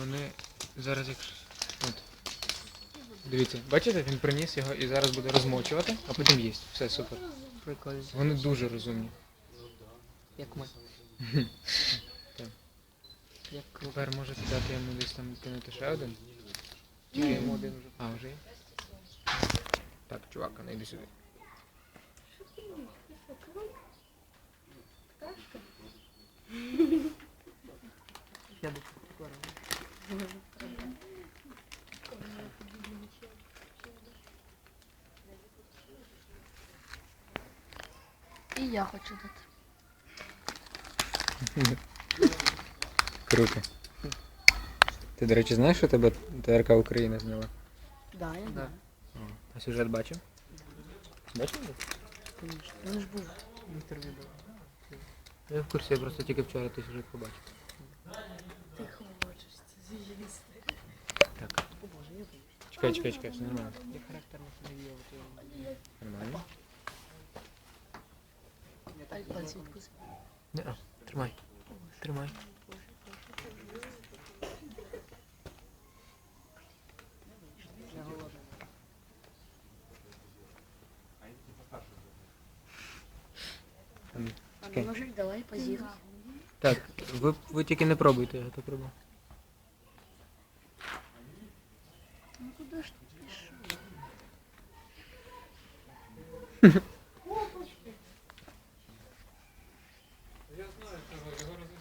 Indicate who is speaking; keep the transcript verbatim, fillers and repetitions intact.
Speaker 1: вони зараз як... От. Дивіться, бачите, він приніс його і зараз буде розмочувати, а потім їсть. Все, супер.
Speaker 2: Прикольно.
Speaker 1: Вони дуже розумні.
Speaker 2: Як ми.
Speaker 1: Так.
Speaker 2: Як круто.
Speaker 1: Тепер можете дати йому десь там кинути ще один.
Speaker 2: Ні, йому один вже.
Speaker 1: А, вже є? Так, чувак, а ну йди сюди.
Speaker 2: Я би прикольно.
Speaker 3: І я хочу дати.
Speaker 1: Круто. Ти, до речі, знаєш, що тебе ТРК Україна зняла?
Speaker 3: Да, я
Speaker 2: Да.
Speaker 3: знаю.
Speaker 1: А сюжет бачив? Бачив?
Speaker 3: Конечно. Він ж був.
Speaker 2: Інтерв'ю було.
Speaker 1: Я в курсі, я просто тільки вчора той сюжет побачив.
Speaker 3: Ти хочеш це з'їсти.
Speaker 1: Так.
Speaker 2: О боже, я боюсь.
Speaker 1: Чекай, чекай, чекай, все нормально.
Speaker 2: Я характерно себе вів.
Speaker 1: Нормально?
Speaker 3: Ай, пальці відкуси.
Speaker 1: Не, а, тримай. Тримай.
Speaker 2: Я голодний.
Speaker 1: Ем,
Speaker 3: А
Speaker 1: Окей.
Speaker 3: ну ножик давай позіруй.
Speaker 1: Так, ви, ви тільки не пробуйте, я то пробую.
Speaker 3: Ну куди ж ти пішов?